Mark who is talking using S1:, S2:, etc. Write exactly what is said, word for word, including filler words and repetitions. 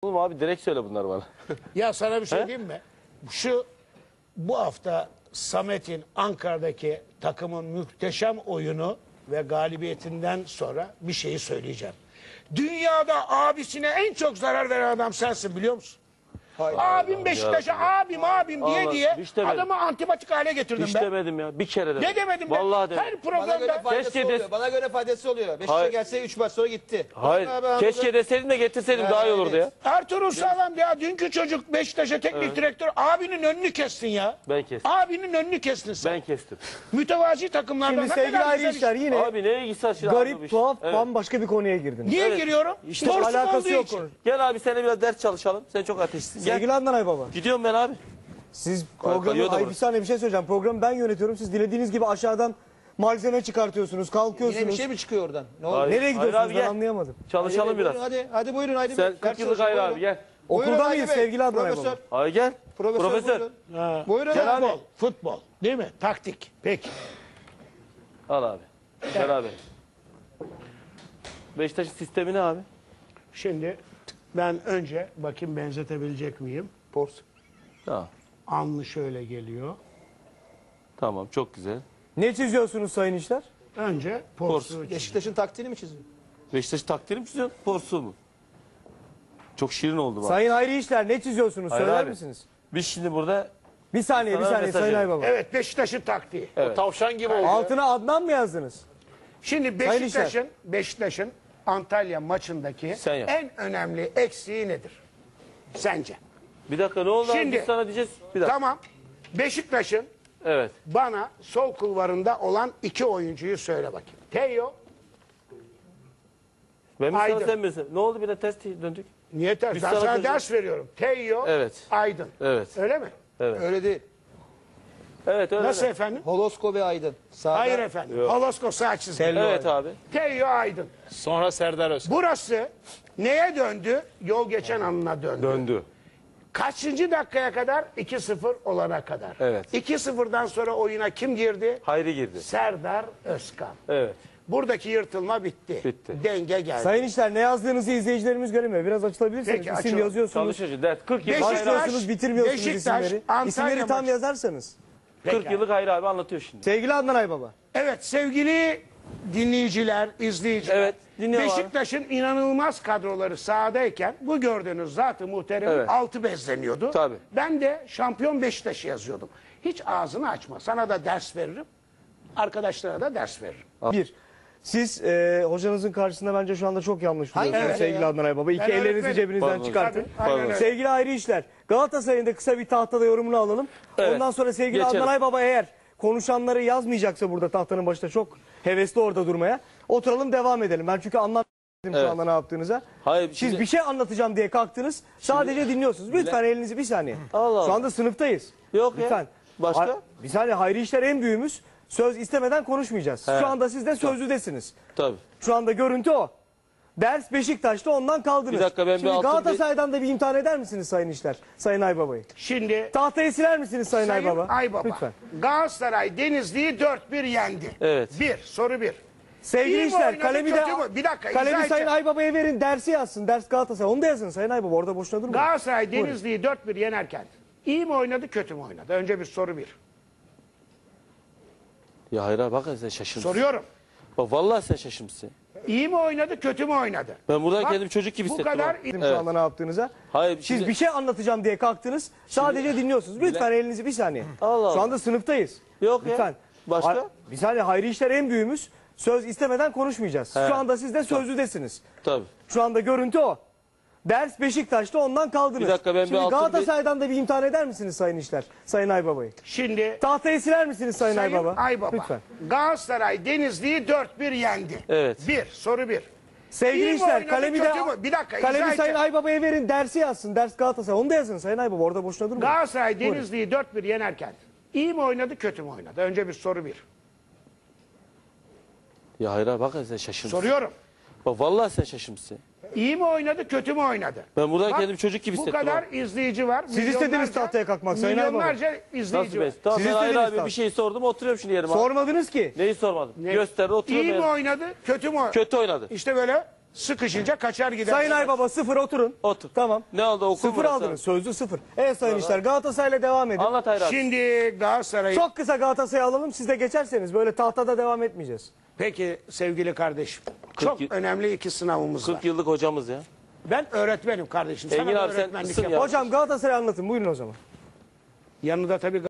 S1: Oğlum abi direkt söyle bunlar bana.
S2: Ya sana bir şey diyeyim mi? Şu bu hafta Samet'in Ankara'daki takımın muhteşem oyunu ve galibiyetinden sonra bir şeyi söyleyeceğim. Dünyada abisine en çok zarar veren adam sensin, biliyor musun? Hayır. Abim Beşiktaş'a abim abim diye
S1: Allah,
S2: diye
S1: hiç demedim.
S2: adamı antipatik hale getirdim
S1: Hiç
S2: ben.
S1: demedim ya. Bir kere demedim.
S2: Ne demedim ben?
S1: Vallahi demedim.
S2: Her
S3: Bana
S2: programda
S3: göre faydası
S1: Keşke
S3: oluyor.
S1: des-
S3: Bana göre faydası oluyor. Beşiktaş'a
S1: Hayır.
S3: gelse üç maç sonra gitti.
S1: Hayır.
S3: Bana ben
S1: Keşke
S3: anladım.
S1: deseydin de getirseydim daha iyi olurdu ya.
S2: Ertuğrul Sağlam ya, dünkü çocuk Beşiktaş'a teknik direktör, abinin önünü kestin ya.
S1: Ben kestim.
S2: Abinin önünü kestin sen.
S1: Ben kestim.
S2: Mütevazi takımlardan
S4: Şimdi
S2: ne
S4: sevgili
S2: kadar
S4: ayrı
S2: güzel
S4: işler
S2: iş.
S4: yine
S1: Abi neye ilgisi var şimdi?
S4: garip,
S1: abi bu iş?
S4: tuhaf,
S1: Evet.
S4: bambaşka bir konuya girdiniz.
S2: Niye
S1: Evet.
S2: giriyorum?
S4: İşte
S2: Borsuk
S4: alakası
S2: olduğu
S4: yok
S2: için.
S4: konu.
S1: Gel abi seninle biraz ders çalışalım. Sen çok ateşlisin. Gel.
S4: Sevgili Adnan Aybaba,
S1: Gidiyorum ben abi.
S4: siz
S1: kayıyor
S4: programı,
S1: da
S4: ay bir
S1: burası.
S4: saniye bir şey söyleyeceğim. Programı ben yönetiyorum. Siz dilediğiniz gibi aşağıdan malzeme çıkartıyorsunuz, kalkıyorsunuz.
S3: Yine bir şey mi çıkıyor oradan? Ne oldu?
S1: Hayır.
S4: Nereye gidiyorsunuz
S1: abi,
S4: ben
S1: gel.
S4: anlayamadım.
S1: Çalışalım
S3: Hadi,
S1: biraz.
S3: Buyurun, hadi, hadi buyurun haydi.
S1: Sen
S3: Bey.
S1: kırk
S3: Ders
S1: yıllık
S3: çalışın,
S1: ayrı abi
S3: buyurun.
S1: gel.
S3: Buyurun
S4: Okulda
S3: Haydi
S4: mıyız
S3: Bey.
S4: sevgili Adnan
S3: Profesör.
S4: Aybaba?
S1: Hayır gel.
S3: Profesör.
S1: Profesör.
S3: Buyurun.
S2: Ha.
S3: Buyurun
S2: Futbol,
S3: abi.
S2: futbol değil mi? Taktik. Peki.
S1: Al abi. Beraber. Beşiktaş'ın sistemi ne abi?
S2: Şimdi ben önce bakayım benzetebilecek miyim?
S3: Pors.
S1: Tamam.
S2: Anlı şöyle geliyor.
S1: Tamam çok güzel.
S4: Ne çiziyorsunuz sayın işler?
S2: Önce porsu. çiz-
S3: Beşiktaş'ın taktiğini mi çiziyor?
S1: Beşiktaş takdiri mi çiziyorsun? Porsu mu? Çok şirin oldu bak.
S4: Sayın ayrı işler ne çiziyorsunuz
S1: Hayır
S4: söyler
S1: abi.
S4: misiniz?
S1: Biz şimdi burada
S4: Bir saniye bir
S1: Sana
S4: saniye
S1: mesaj
S4: sayın
S1: verin.
S4: Aybaba.
S2: Evet, Beşiktaş'ın taktiği.
S1: Evet.
S5: Tavşan gibi oldu.
S4: Altına Adnan mı yazdınız?
S2: Şimdi
S4: Sayın
S2: Beşiktaş'ın Beşiktaş'ın Antalya maçındaki
S1: Sen yap.
S2: en önemli eksiği nedir? Sence?
S1: bir dakika ne oldu
S2: Şimdi-
S1: abi? Biz sana diyeceğiz. Bir dakika.
S2: Tamam. Beşiktaş'ın
S1: Evet.
S2: bana sol kulvarında olan iki oyuncuyu söyle bakayım. Teo,
S1: Ben mi sana
S2: Aydın.
S1: sen misin? Ne oldu bir de ters döndük?
S2: niye ters?
S1: Biz
S2: Ben
S1: sana
S2: sana
S1: kızım-
S2: ders veriyorum. Teo,
S1: Evet.
S2: Aydın.
S1: Evet.
S2: Öyle mi?
S3: Öyle değil.
S1: Evet öyle.
S2: Nasıl
S1: de.
S2: efendim?
S3: Holosko ve Aydın. Sağda.
S2: Hayır efendim. Holosko sağ çizgi.
S1: Evet abi.
S2: Teo, Aydın.
S5: Sonra Serdar Özkan.
S2: Burası neye döndü? Yol geçen anına döndü.
S1: Döndü.
S2: Kaçıncı dakikaya kadar? iki sıfır olana kadar.
S1: Evet.
S2: iki sıfırdan sonra oyuna kim girdi?
S1: Hayri girdi.
S2: Serdar Özkan.
S1: Evet.
S2: Buradaki yırtılma bitti.
S1: Bitti.
S2: Denge geldi.
S4: Sayın işler ne yazdığınızı izleyicilerimiz göremiyor. Biraz açılabilirsiniz.
S2: Peki,
S4: İsim
S2: açalım.
S4: yazıyorsunuz.
S1: Çalışıyoruz. Dert. kırk yıllık
S2: Beşiktaş-
S1: Hayri abi.
S4: Başlıyorsunuz bitirmiyorsunuz
S2: Beşiktaş,
S4: isimleri.
S2: Antalya
S4: İsimleri tam
S2: maçı.
S4: yazarsanız.
S1: kırk
S2: Peki.
S1: yıllık Hayri abi anlatıyor şimdi.
S4: Sevgili Adnan Aybaba.
S2: Evet sevgili dinleyiciler, izleyiciler.
S1: Evet, dinliyorum abi.
S2: Beşiktaş'ın inanılmaz kadroları sahadayken bu gördüğünüz zatı muhterem
S1: Evet.
S2: altı bezleniyordu.
S1: Tabii.
S2: Ben de şampiyon Beşiktaş'ı yazıyordum. Hiç ağzını açma. Sana da ders veririm. Arkadaşlara da ders veririm.
S4: Bir. Siz e, hocanızın karşısında bence şu anda çok yanlış duruyorsunuz
S2: Evet.
S4: sevgili Adnan Aybaba. İki
S2: Ben
S4: ellerinizi
S2: öğretmenim.
S4: cebinizden
S1: Pardon.
S4: çıkartın.
S2: Tabii, aynen öyle.
S4: Sevgili ayrı işler. Galatasaray'ın da kısa bir tahtada yorumunu alalım.
S1: Evet.
S4: Ondan sonra sevgili
S1: Geçelim.
S4: Adnan Aybaba eğer konuşanları yazmayacaksa burada tahtanın başında çok hevesli orada durmaya. Oturalım devam edelim. Ben çünkü anlamadım
S1: Evet.
S4: şu anda ne yaptığınıza.
S1: Hayır,
S4: Siz
S1: şimdi-
S4: bir şey anlatacağım diye kalktınız. Sadece dinliyorsunuz. Lütfen elinizi bir saniye.
S1: Allah Allah.
S4: Şu anda sınıftayız.
S1: Yok ya.
S4: Lütfen.
S1: Başka?
S4: Ha- Bir saniye Hayri işler en büyüğümüz. Söz istemeden konuşmayacağız.
S1: He.
S4: Şu anda siz de sözlüdesiniz.
S1: Tabii.
S4: Şu anda görüntü o. Ders Beşiktaş'ta ondan kaldınız.
S1: Bir dakika, ben bir
S4: Şimdi
S1: altın
S4: Galatasaray'dan da bir imtihan eder misiniz Sayın İşler? Sayın Aybaba'yı.
S2: Şimdi
S4: Tahtayı siler misiniz Sayın,
S2: Sayın
S4: Aybaba?
S2: Aybaba.
S4: Lütfen.
S2: Galatasaray Denizli'yi dört bir yendi.
S1: Evet.
S2: Bir. Soru bir.
S4: Sevgili
S2: İyi mi
S4: İşler
S2: oynadı,
S4: kalemi de
S2: kötü mü? Bir dakika,
S4: kalemi
S2: izah
S4: Sayın
S2: edeceğim.
S4: Aybaba'ya verin dersi yazsın. Ders Galatasaray. Onu da yazın Sayın Aybaba. Orada boşuna durmayın.
S2: Galatasaray Denizli'yi dört bir yenerken iyi mi oynadı kötü mü oynadı? Önce bir soru bir.
S1: Ya Hayri abi bak sen şaşırmışsın.
S2: Soruyorum.
S1: Bak vallahi sen şaşırmışsın.
S2: İyi mi oynadı kötü mü oynadı?
S1: Ben buradan
S2: Bak,
S1: kendimi çocuk gibi
S2: bu
S1: hissettim.
S2: kadar
S1: abi.
S4: Dedim
S1: Evet.
S4: Şu anda ne yaptığınıza.
S1: Hayır,
S4: Siz
S1: şimdi-
S4: bir şey anlatacağım diye kalktınız. Sadece dinliyorsunuz. Lütfen elinizi bir saniye.
S1: Allah Allah.
S4: Şu anda sınıftayız.
S1: Yok ya.
S4: Lütfen.
S1: Başka?
S4: Ha- Bir saniye Hayri işler en büyüğümüz. Söz istemeden konuşmayacağız.
S1: He.
S4: Şu anda siz de sözlüdesiniz.
S1: Tabii.
S4: Şu anda görüntü o. Ders Beşiktaş'ta ondan kaldınız.
S1: Bir dakika, ben bir
S4: Şimdi
S1: altın
S4: Galatasaray'dan da bir imtihan eder misiniz Sayın İşler? Sayın Aybaba'yı.
S2: Şimdi
S4: Tahtayı siler misiniz Sayın,
S2: Sayın
S4: Aybaba?
S2: Aybaba.
S4: Lütfen.
S2: Galatasaray Denizli'yi dört bir yendi.
S1: Evet.
S2: Bir. Soru bir.
S4: Sevgili
S2: İyi mi
S4: İşler
S2: oynadı,
S4: kalemi de
S2: kötü mü? Bir dakika, izah
S4: kalemi Sayın
S2: edeceğim.
S4: Aybaba'ya verin dersi yazsın. Ders Galatasaray. Onu da yazın Sayın Aybaba. Orada boşuna durmayın.
S2: Galatasaray Denizli'yi dört bir yenerken iyi mi oynadı kötü mü oynadı? Önce bir soru bir.
S1: Ya Hayri abi bak sen şaşırmışsın.
S2: Soruyorum.
S1: Bak vallahi sen şaşırmışsın.
S2: İyi mi oynadı kötü mü oynadı?
S1: Ben buradan
S2: Bak,
S1: kendimi çocuk gibi
S2: Bu
S1: hissettim.
S2: kadar
S1: abi.
S2: izleyici var.
S4: Siz istediniz
S2: milyonlarca-
S4: tahtaya kalkmak Sayın Aybaba.
S2: Milyonlarca izleyici
S1: Nasıl
S2: var.
S1: be? Tamam
S4: Siz
S1: ben Hayri
S4: istediniz
S1: abi
S4: tabii.
S1: bir şey sordum oturuyorum şimdi yerime. abi.
S4: Sormadınız ki.
S1: Neyi sormadım?
S2: Ne?
S1: Gösterdi oturuyorum.
S2: İyi mi
S1: yerime.
S2: oynadı kötü mü oynadı?
S1: Kötü oynadı.
S2: İşte böyle Sıkışınca kaçar gider.
S4: Sayın Aybaba sıfır oturun.
S1: Otur.
S4: Tamam.
S1: Ne oldu, okul
S4: Sıfır
S1: burası?
S4: aldınız. Sözlü sıfır. Evet Sayın İşler, Galatasaray'la devam edin.
S1: Anlat Hayri abi.
S2: Şimdi Galatasaray'ı...
S4: Çok kısa Galatasaray'ı alalım. Siz de geçerseniz böyle tahtada devam etmeyeceğiz.
S2: Peki sevgili kardeşim. Çok
S1: yıl-
S2: önemli iki sınavımız var.
S1: kırk yıllık hocamız ya.
S2: Ben öğretmenim kardeşim. Sana
S1: Engin
S2: da
S1: abi sen
S2: öğretmenlik
S1: mısın ya?
S2: yaparım.
S4: Hocam Galatasaray'ı anlatın. Buyurun o zaman.
S2: Yanında tabii